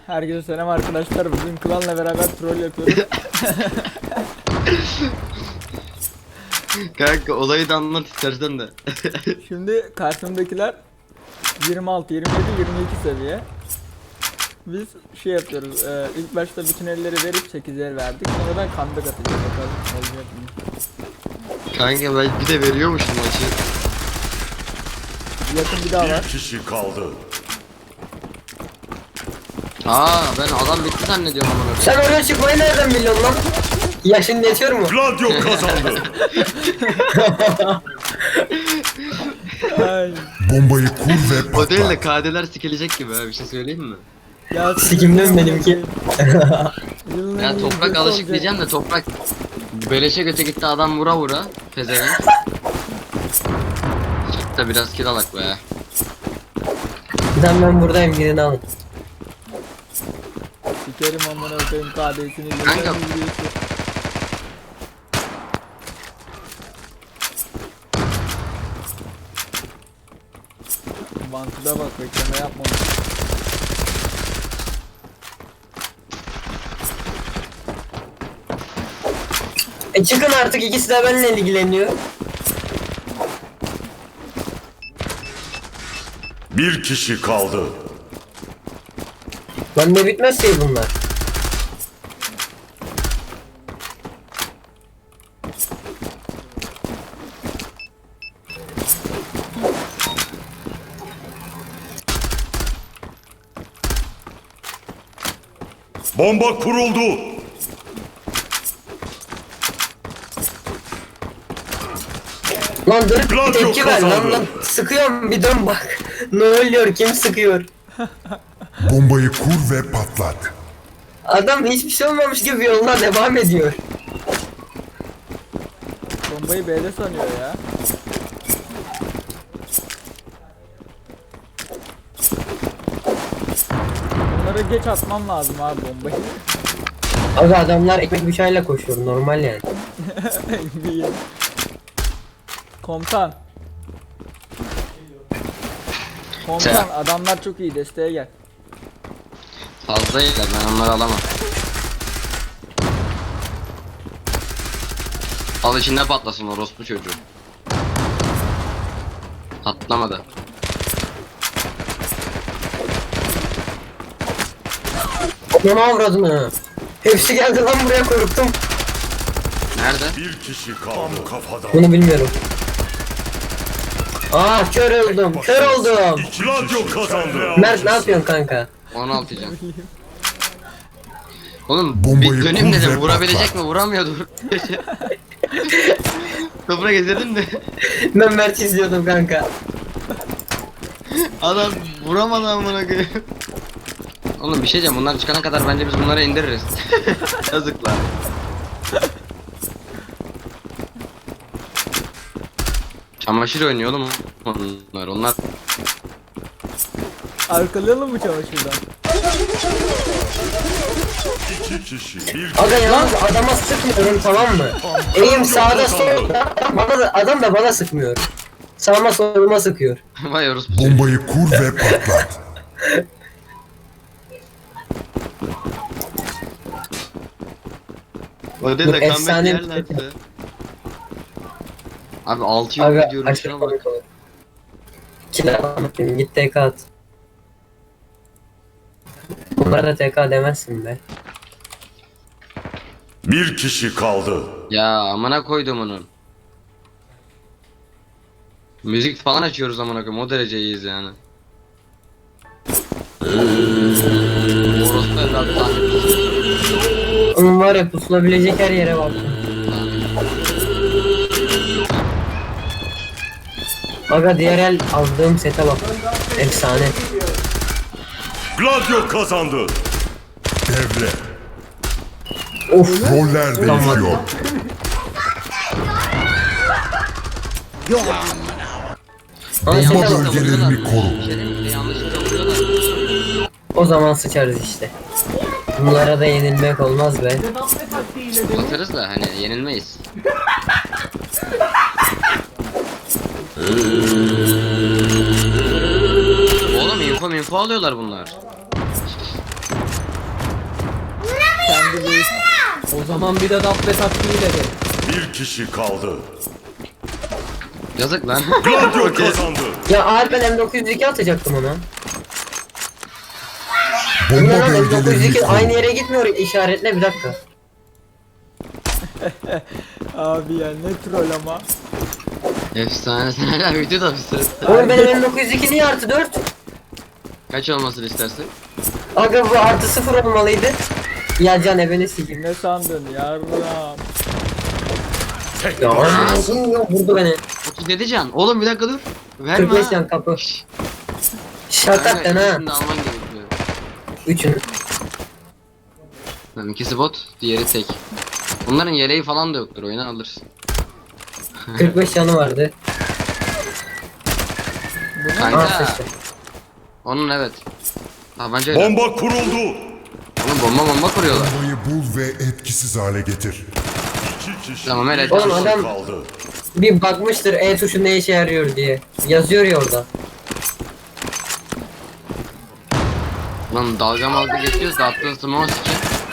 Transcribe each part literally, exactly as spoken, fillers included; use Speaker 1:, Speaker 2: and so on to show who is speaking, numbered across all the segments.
Speaker 1: Herkese selam arkadaşlar. Bugün klanla beraber troll yapıyoruz.
Speaker 2: Kanka olayı da anlat istersen de.
Speaker 1: Şimdi karşımdakiler yirmi altı, yirmi yedi, yirmi iki seviye. Biz şey yapıyoruz. E, ilk başta bütün elleri verip sekizer verdik. Sonradan kandık atacağız. Bakalım olacak mı?
Speaker 2: Kanka belki de veriyormuşum maçı.
Speaker 1: Yakın bir daha var.
Speaker 3: Bir kişi kaldı.
Speaker 2: Aa ben adam bitti zannediyorum onu.
Speaker 4: Sen oraya çıkmayı nereden biliyorsun lan? Yaşın yetiyor mu?
Speaker 3: Gladio kazandı.
Speaker 1: Ay.
Speaker 5: Bombayı kur ve
Speaker 2: O değil de
Speaker 5: patlat.
Speaker 2: K D'ler sikilecek gibi ha, bir şey söyleyeyim mi?
Speaker 1: Ya
Speaker 4: Sikimli mi benimki?
Speaker 1: Yılın en
Speaker 2: Ya
Speaker 1: iyi
Speaker 2: toprak
Speaker 1: videosu
Speaker 2: alışık
Speaker 1: olacak.
Speaker 2: diyeceğim de toprak beleşe göte gitti adam vura vura pezevenk. Da biraz kiralak be.
Speaker 4: Sen ben buradayım, gidin alın.
Speaker 1: Sikerim amına koyayım K D'sini.
Speaker 2: Kanka.
Speaker 1: Mantıda bak, bekleme yapmamış.
Speaker 4: E çıkın artık, ikisi de benimle ilgileniyor.
Speaker 3: Bir kişi kaldı.
Speaker 4: Lan ne bitmez şey bunlar.
Speaker 3: Bomba kuruldu.
Speaker 4: Lan dur, bir
Speaker 3: Gladio
Speaker 4: tepki ver lan
Speaker 3: kazandı.
Speaker 4: lan. Sıkıyorum, bir dön bak. Ne oluyor, kim sıkıyor?
Speaker 5: Bombayı kur ve patlat.
Speaker 4: Adam hiçbir şey olmamış gibi yoluna devam ediyor.
Speaker 1: Bombayı B'de sanıyor ya. Onlara geç atmam lazım abi bombayı.
Speaker 4: Aga adamlar ekmek bıçağıyla koşuyor, normal yani.
Speaker 1: Bir- Komutan. Komutan,
Speaker 2: Selam.
Speaker 1: adamlar çok iyi, desteğe gel.
Speaker 2: Fazla iyiler, ben onları alamam. Al içinde patlasın orospu çocuğu. Patlamadı.
Speaker 4: Onu avradını. Hepsi geldi lan buraya, korktum.
Speaker 2: Nerede?
Speaker 3: Bir kişi kaldı. Tam kafada.
Speaker 4: Bunu bilmiyorum. Aa kör oldum, kör oldum.
Speaker 3: Gladio kazandı.
Speaker 4: Mert ne yapıyorsun kanka?
Speaker 2: on altı can. Oğlum
Speaker 5: Bombayı
Speaker 2: bir döneyim
Speaker 5: kur
Speaker 2: dedim,
Speaker 5: ve
Speaker 2: vurabilecek
Speaker 5: patlat.
Speaker 2: mi? Vuramıyordur. Toprak izledin mi?
Speaker 4: Ben Mert izliyordum kanka.
Speaker 2: Adam vuramadı amına koyayım. Oğlum bir şey diyeceğim, bunlar çıkana kadar bence biz bunları indiririz. Yazıklar. Çamaşır oynuyor oğlum onlar. Onlar
Speaker 1: Arkalayalım mı çamaşırdan?
Speaker 3: İki kişi. Bir
Speaker 4: Aga yalnız adama sıkmıyorum, tamam mı? Eğim sağda solda, bana da, adam da bana sıkmıyor. Sağıma soluma sıkıyor.
Speaker 2: vay orospu çocuğu.
Speaker 5: Bombayı kur ve patlat.
Speaker 2: O değil
Speaker 4: Bu
Speaker 2: de comeback
Speaker 4: efsane bir
Speaker 2: yerlerse. Abi altı yok
Speaker 4: Aga
Speaker 2: diyorum,
Speaker 4: aşırı
Speaker 2: şuna bak.
Speaker 4: komik olur. Kime anlatayım, git T K at. Bunlara da T K demezsin be.
Speaker 3: Bir kişi kaldı.
Speaker 2: Ya amına koydum onu. Müzik falan açıyoruz amına koyayım, o derece iyiyiz yani. Orospu evladı sahnesi.
Speaker 4: Onun var ya, pusulabilecek her yere bak. Aga diğer el aldığım sete bak. Efsane.
Speaker 3: Gladio kazandı.
Speaker 5: Devre.
Speaker 4: Of.
Speaker 5: Roller değişiyor.
Speaker 4: Ama
Speaker 2: Yanlışlıkla
Speaker 4: sete bak.
Speaker 5: bölgelerini
Speaker 2: vuruyorlar.
Speaker 5: koru.
Speaker 2: Bir şey diyeyim mi? Yanlışlıkla vuruyorlar.
Speaker 4: O zaman sıçarız işte. Bunlara da yenilmek olmaz be.
Speaker 2: Atarız da hani yenilmeyiz. Oğlum info info alıyorlar bunlar.
Speaker 1: beyiz.
Speaker 6: O zaman bir de dap ve taktiğiyle de.
Speaker 3: Bir kişi kaldı.
Speaker 2: Yazık lan.
Speaker 3: Gladio kazandı.
Speaker 4: Ya abi ben M dokuz yüz iki atacaktım ona. Bu
Speaker 5: Bomba
Speaker 4: ne lan M dokuz yüz
Speaker 5: bölgelerini
Speaker 4: iki
Speaker 5: koru.
Speaker 4: aynı yere gitmiyor işaretle bir dakika.
Speaker 1: Abi ya ne troll ama.
Speaker 2: Efsane sen hala video da bir ses.
Speaker 4: Oğlum benim M dokuz yüz iki niye artı dört?
Speaker 2: Kaç olmasını istersin?
Speaker 4: Aga bu artı sıfır olmalıydı. Ya can ebeni sikeyim.
Speaker 1: Ne sandın yarram?
Speaker 3: Tek
Speaker 4: Ya
Speaker 3: başına.
Speaker 4: anasını ya vurdu beni.
Speaker 2: otuz yedi can. Oğlum bir dakika dur. Verme
Speaker 4: kırk beş
Speaker 2: ha.
Speaker 4: can kapı.
Speaker 2: Şşş.
Speaker 4: Şakatten ha.
Speaker 2: ikisini de alman gerekiyor.
Speaker 4: Üçünü.
Speaker 2: Tamam, ikisi bot, diğeri tek. Bunların yeleği falan da yoktur, oyuna alırsın.
Speaker 4: kırk beş canı vardı. Aa
Speaker 2: Kanka,
Speaker 4: seçti.
Speaker 2: onun evet. Tabancayla.
Speaker 3: Bomba kuruldu.
Speaker 2: Oğlum bomba bomba kuruyorlar.
Speaker 5: Bombayı bul ve etkisiz hale getir.
Speaker 3: İki kişi.
Speaker 2: Tamam, evet.
Speaker 3: Bir
Speaker 4: Oğlum
Speaker 3: kişi
Speaker 4: adam-
Speaker 3: kaldı.
Speaker 4: Bir bakmıştır E tuşu ne işe yarıyor diye. Yazıyor ya orada.
Speaker 2: Lan dalga malga geçiyoruz da attığın smoke için.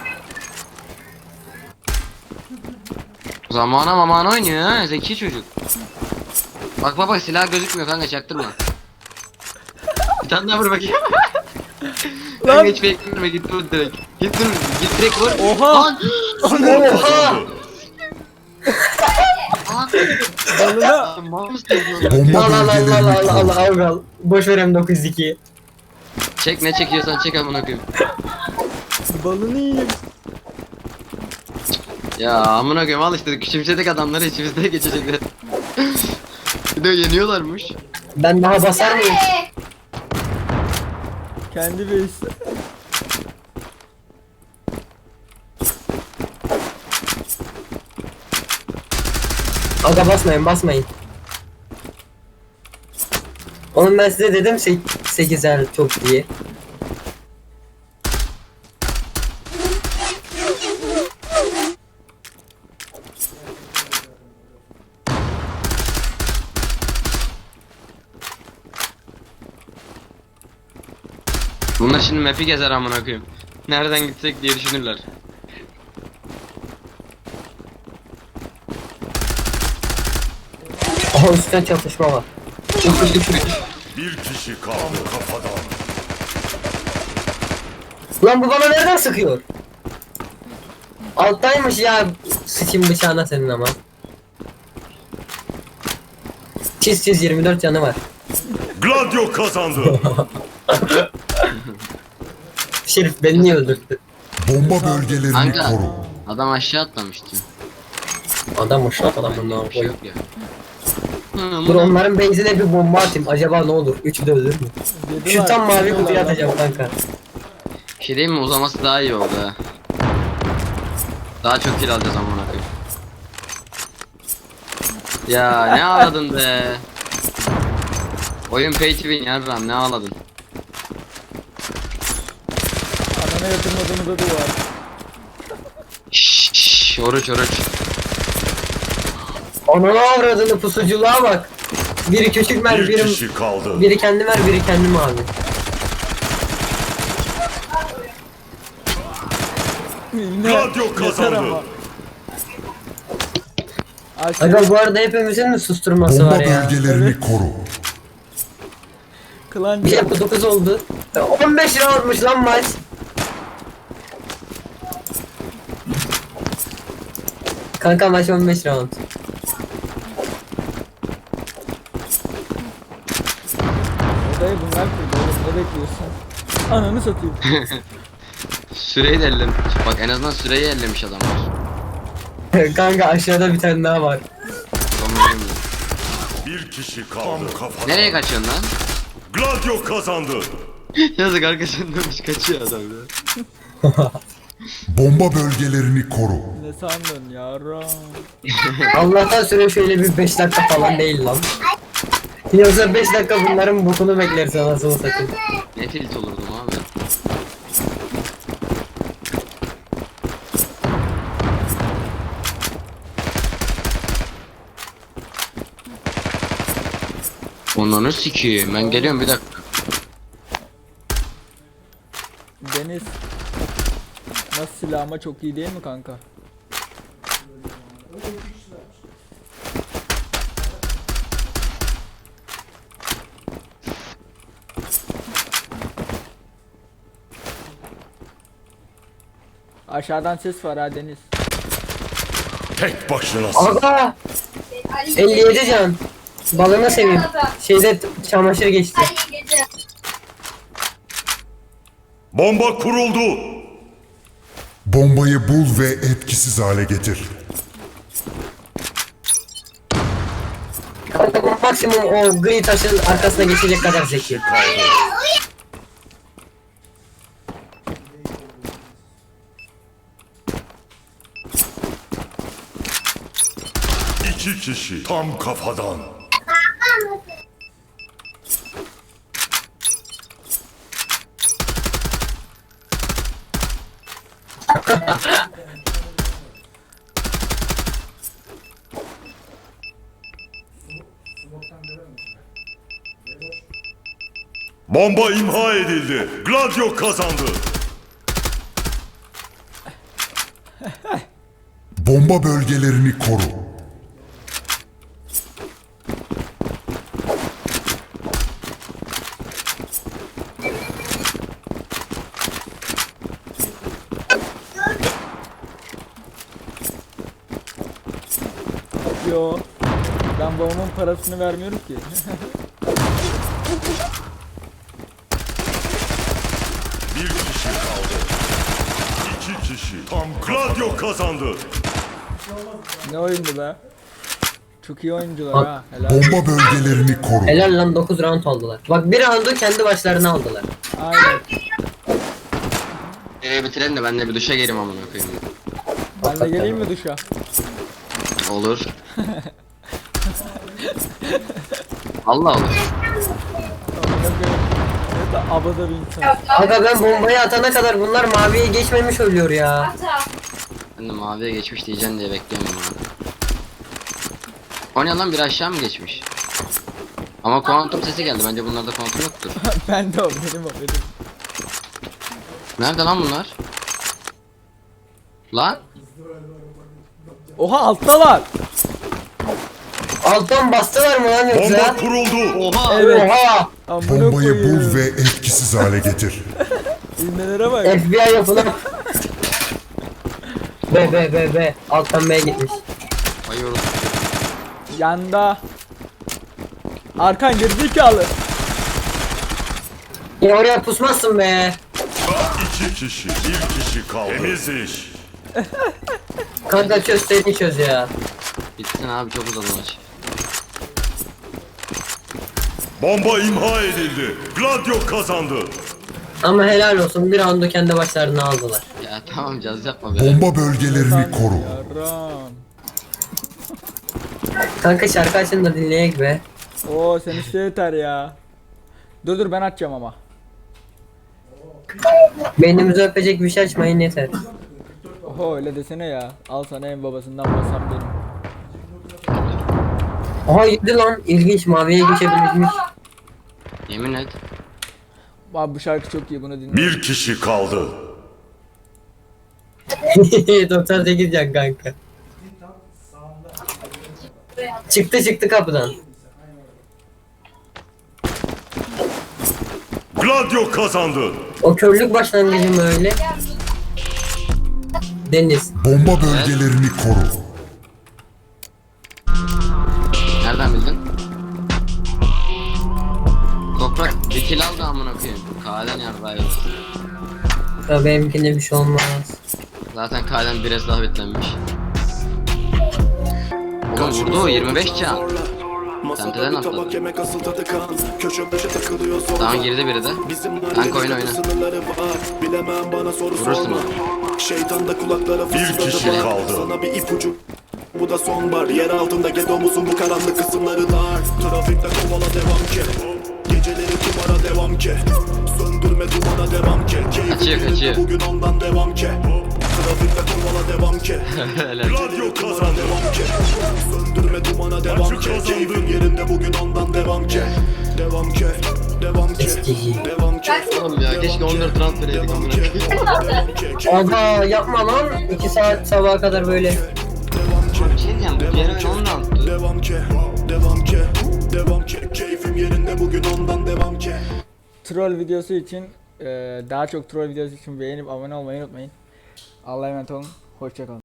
Speaker 2: Zamana mamana oynuyor ha, zeki çocuk. Bak bak bak, silah gözükmüyor kanka, çaktırma. Bir tane daha vur bakayım. Kanka hiç bekleme, git vur direkt. Git dur, git direkt vur.
Speaker 1: Oha!
Speaker 2: Lan!
Speaker 4: Oha!
Speaker 2: Lan!
Speaker 1: Balına
Speaker 2: Mal mısın?
Speaker 5: Bomba
Speaker 4: Al al al al
Speaker 5: bölgelerini
Speaker 4: al al
Speaker 5: koru.
Speaker 4: al al. Boş ver M dokuz yüz ikiyi.
Speaker 2: Çek, ne çekiyorsan çek amına koyayım.
Speaker 1: balını yiyeyim.
Speaker 2: Ya amına koyayım, al işte küçümsedik adamları, içimizde geçecekler. Bir de yeniyorlarmış.
Speaker 4: Ben daha basar mıyım?
Speaker 1: Kendi beyiz.
Speaker 4: Aga basmayın basmayın. Oğlum ben size dedim sekiz el çok diye.
Speaker 2: Bunlar şimdi map'i gezer amına koyayım. Nereden gitsek diye düşünürler.
Speaker 4: Aha üstten çatışma var.
Speaker 3: Bir kişi kaldı kafadan.
Speaker 4: Lan bu bana nereden sıkıyor? Alttaymış ya sıçayım bıçağına senin ama. Çiz çiz yirmi dört canı var.
Speaker 3: Gladio kazandı.
Speaker 4: Şerif beni niye öldürdü?
Speaker 5: Bomba bölgelerini
Speaker 2: Kanka,
Speaker 5: koru.
Speaker 2: adam aşağı atlamıştı.
Speaker 4: Adam uşak adamın ne
Speaker 2: Bir şey
Speaker 4: yapıyor?
Speaker 2: yok ya.
Speaker 4: Dur onların base'ine bir bomba atayım. Acaba ne olur? Üçü de ölür mü?
Speaker 1: Yedi
Speaker 4: Şu
Speaker 1: var,
Speaker 4: tam mavi
Speaker 1: yedi
Speaker 4: kutuya
Speaker 1: var.
Speaker 4: atacağım kanka.
Speaker 2: Bir şey diyeyim mi, uzaması daha iyi oldu ha. Daha çok kill alacağız amına koyayım. Ya ne ağladın be. Oyun pay to win yarram, ne ağladın.
Speaker 1: Anana yatırmadığımda da var.
Speaker 2: Şşş şşş, oruç oruç.
Speaker 4: Ananı avradını pusuculuğa bak. Biri küçük mer,
Speaker 3: Bir
Speaker 4: biri,
Speaker 3: kişi kaldı.
Speaker 4: biri kendi mer, biri kendi mavi.
Speaker 1: Yine
Speaker 3: Gladio
Speaker 1: yeter
Speaker 3: kazandı.
Speaker 1: ama. Ay,
Speaker 4: Aga bu arada hepimizin mi susturması
Speaker 5: Bomba
Speaker 4: var ya?
Speaker 5: bölgelerini koru.
Speaker 1: klan
Speaker 4: Bir dakika dokuz oldu. on beş roundmuş lan maç. Kanka maç on beş round.
Speaker 1: odayı bunlar kurdu oğlum, ne bekliyorsun? Ananı satayım.
Speaker 2: Süreyi de ellemiş. Bak en azından süreyi ellemiş adamlar.
Speaker 4: Kanka aşağıda bir tane daha var.
Speaker 2: Tamam,
Speaker 3: Bir kişi kaldı kafadan.
Speaker 2: nereye kaçıyorsun lan?
Speaker 3: Gladio kazandı.
Speaker 2: Yazık, arkasında dönmüş kaçıyor adam ya.
Speaker 5: Bomba bölgelerini koru.
Speaker 1: Ne sandın yarram?
Speaker 4: Allah'tan süre şöyle bir beş dakika falan değil lan. Yoksa beş dakika bunların bokunu bekleriz anasını satayım.
Speaker 2: Ne tilt olurdum abi. Onları sikiyim. Ben geliyorum bir dakika.
Speaker 1: Deniz. Nasıl silah ama çok iyi değil mi kanka? Aşağıdan ses var ha Deniz.
Speaker 3: Tek başınasın.
Speaker 4: Aga! elli yedi can. Balını seveyim. Şeyde t- çamaşır geçti.
Speaker 3: Bomba kuruldu.
Speaker 5: Bombayı bul ve etkisiz hale getir.
Speaker 4: Kanka bu maksimum o gri taşın arkasına geçecek kadar zeki.
Speaker 3: İki kişi tam kafadan. Bomba imha edildi. Gladio kazandı.
Speaker 5: Bomba bölgelerini koru.
Speaker 1: Yo. Ben babamın parasını vermiyorum ki.
Speaker 3: Bir kişi kaldı. İki kişi tam Gladio kazandı.
Speaker 1: Ne oyundu be? Çok iyi oyuncular ha. Helal.
Speaker 5: Bomba bölgelerini koru.
Speaker 4: Helal lan dokuz round aldılar. Bak bir roundu kendi başlarına aldılar.
Speaker 1: Aynen.
Speaker 2: Ee, bitirelim de ben de bir duşa gireyim amına koyayım.
Speaker 1: Ben de geleyim mi duşa?
Speaker 2: Olur. Allah olur.
Speaker 1: Amına koyayım. Ne de abada bir insan.
Speaker 4: Aga ben bombayı atana kadar bunlar maviye geçmemiş oluyor ya.
Speaker 2: Ben de maviye geçmiş diyeceksin diye bekliyorum ama. O ne lan, bir aşağı mı geçmiş? Ama kuantum sesi geldi, bence bunlarda kuantum yoktur.
Speaker 1: Ben de o benim o benim.
Speaker 2: Nerede lan bunlar? Lan?
Speaker 1: Oha alttalar.
Speaker 4: Alttan bastılar mı lan
Speaker 3: Bomba
Speaker 4: yoksa?
Speaker 3: kuruldu.
Speaker 2: Oha!
Speaker 1: Evet.
Speaker 4: Oha!
Speaker 1: Amına
Speaker 5: Bombayı
Speaker 1: koyayım.
Speaker 5: bul ve etkisiz hale getir.
Speaker 1: İlmelere bak.
Speaker 4: F B I yapılan. B B B B. Alttan B'ye gitmiş.
Speaker 2: Ay yoruldu.
Speaker 1: Yanda. Arkan gerizekalı.
Speaker 4: Ya oraya pusmazsın be.
Speaker 3: İki kişi, bir kişi kaldı. Temiz iş.
Speaker 4: Kanka çöz seni çöz ya.
Speaker 2: Bitsin abi, çok uzadı maç.
Speaker 3: Bomba imha edildi. Gladio kazandı.
Speaker 4: Ama helal olsun bir roundu kendi başlarına aldılar.
Speaker 2: Ya tamam, caz yapma be.
Speaker 5: Bomba bölgelerini koru.
Speaker 1: Yaram.
Speaker 4: Kanka şarkı açın da dinleyek be.
Speaker 1: Oo sen işte yeter ya. Dur dur ben açacağım ama.
Speaker 4: Beynimizi öpecek bir şey açmayın yeter.
Speaker 1: Oho öyle desene ya. Al sana en babasından basam benim.
Speaker 4: Aha gitti lan ilginç maviye geçebilmiş.
Speaker 2: Yemin et.
Speaker 1: Abi bu şarkı çok iyi, bunu dinle.
Speaker 3: Bir kişi kaldı.
Speaker 4: doksan sekiz can kanka. Çıktı çıktı kapıdan.
Speaker 3: Gladio kazandı.
Speaker 4: O körlük başlangıcı mı öyle? Deniz.
Speaker 5: Bomba bölgelerini koru.
Speaker 2: Nereden bildin? Toprak bir kill aldı amına koyayım. K'den yarrağı yok.
Speaker 4: Ya benimkinde bir şey olmaz.
Speaker 2: Zaten K'den biraz daha bitlenmiş. Oğlum vurdu o yirmi beş can. Tenteden atladı. Tamam girdi biri de. Kanka oyna oyna. Vurursun onu.
Speaker 7: Şeytanda kulaklara
Speaker 3: Bir kişi kaldı.
Speaker 7: Sana bir ipucu. Bu da son bar. Yer altında gedomuzun bu karanlık kısımları dar. Trafikte kovala devam ki. Geceleri kumara devam ki. Söndürme dumana devam ki.
Speaker 2: Kaçıyor, kaçıyor.
Speaker 7: Bugün ondan devam ki. Trafikte kovala devam ki.
Speaker 3: Gladio kazandı.
Speaker 7: Devam ki. Söndürme dumana devam
Speaker 3: Maçı
Speaker 7: ki.
Speaker 3: kazandı.
Speaker 7: Keyfim yerinde bugün ondan devam ki. devam ke, devam ke,
Speaker 4: Eski.
Speaker 7: devam ke.
Speaker 2: Oğlum ya keşke onları transfer edeydik amına koyayım.
Speaker 7: Devam ke,
Speaker 4: Aga yapma lan. iki saat sabaha kadar böyle.
Speaker 7: devam ke.
Speaker 2: Abi bir şey diyeceğim bu diğer oyun on altı.
Speaker 7: Devam ke, devam ke, devam ke. Keyfim yerinde bugün ondan devam ke.
Speaker 1: Troll videosu için e, daha çok troll videosu için beğenip abone olmayı unutmayın. Allah'a emanet olun. Hoşça kalın.